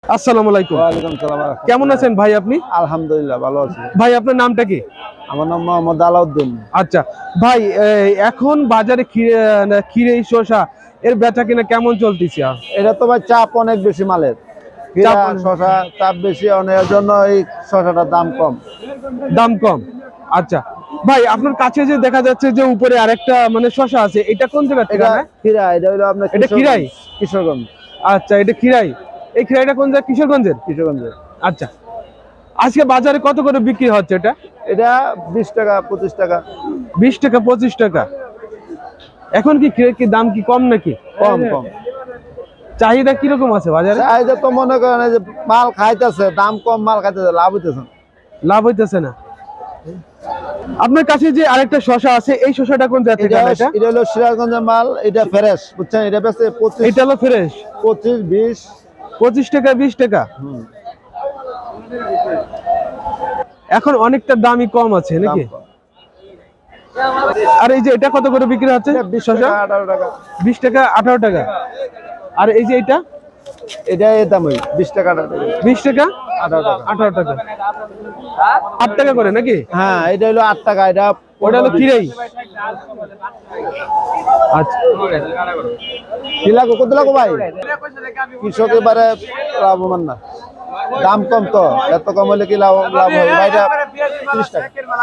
আসসালামু আলাইকুম। ওয়ালাইকুম সালাম। কেমন আছেন ভাই আপনি? আলহামদুলিল্লাহ ভালো আছি। ভাই আপনার নামটা কি? আমার নাম মোহাম্মদ আলাউদ্দিন। আচ্ছা ভাই, এখন বাজারে ক্ষীরে শসা এর বেচা কিনা কেমন চলতেছে? এটা তো ভাই চাপ অনেক বেশি মালের, চাপ শশা চাপ বেশি অনেকের জন্য এই শশাটার দাম কম। দাম কম। আচ্ছা ভাই, আপনার কাছে যে দেখা যাচ্ছে যে উপরে আরেকটা মানে শসা আছে, এটা কোন জায়গা থেকে? এটা খিরা, এটা হলো আপনার এটা খিরাই? কিশোরগঞ্জ। আচ্ছা, এটা খিরাই। এই খিরাইটা কোন জায়গা? কিশোরগঞ্জের? কিশোরগঞ্জের। আচ্ছা, আজকে বাজারে কত করে বিক্রি হচ্ছে এটা? এটা 20 টাকা 25 টাকা। 20 টাকা 25 টাকা। এখন কি খিরের কি দাম কি কম নাকি? কম কম। চাহিদা কিরকম আছে বাজারে? চাহিদা তো মনে করেন যে মাল খাইতেছে, দাম কম, মাল খাইতেছে, লাভ হইতেছে না। লাভ হইতেছে না। আপনার কাছে যে আরেকটা শসা আছে, এই শসাটা কোন জায়গা থেকে আনা? এটা হলো সিরাজগঞ্জের মাল, এটা ফ্রেশ, বুঝছেন? এটা বেচে 25। এটা হলো ফ্রেশ 25 20। 25 টাকা 20 টাকা। এখন অনেকটা দামই কম আছে নাকি? আর এই যে এটা কত করে বিক্রি হচ্ছে? 20 টাকা 18 টাকা। 20 টাকা 18 টাকা। আর এই যে এটা এই দামই 20 টাকা 18 টাকা। 20 টাকা 18 টাকা। 18 টাকা। 8 টাকা করে নাকি? হ্যাঁ, এটা হলো 8 টাকা। এটা ওটা হলো খিরাই। আচ্ছা, কি লাগো, কত লাগো ভাই? কৃষক এবারে লাভবান না, দাম কম তো, এত কম হলে কি লাভ হবে ভাই? এটা 30 টাকা।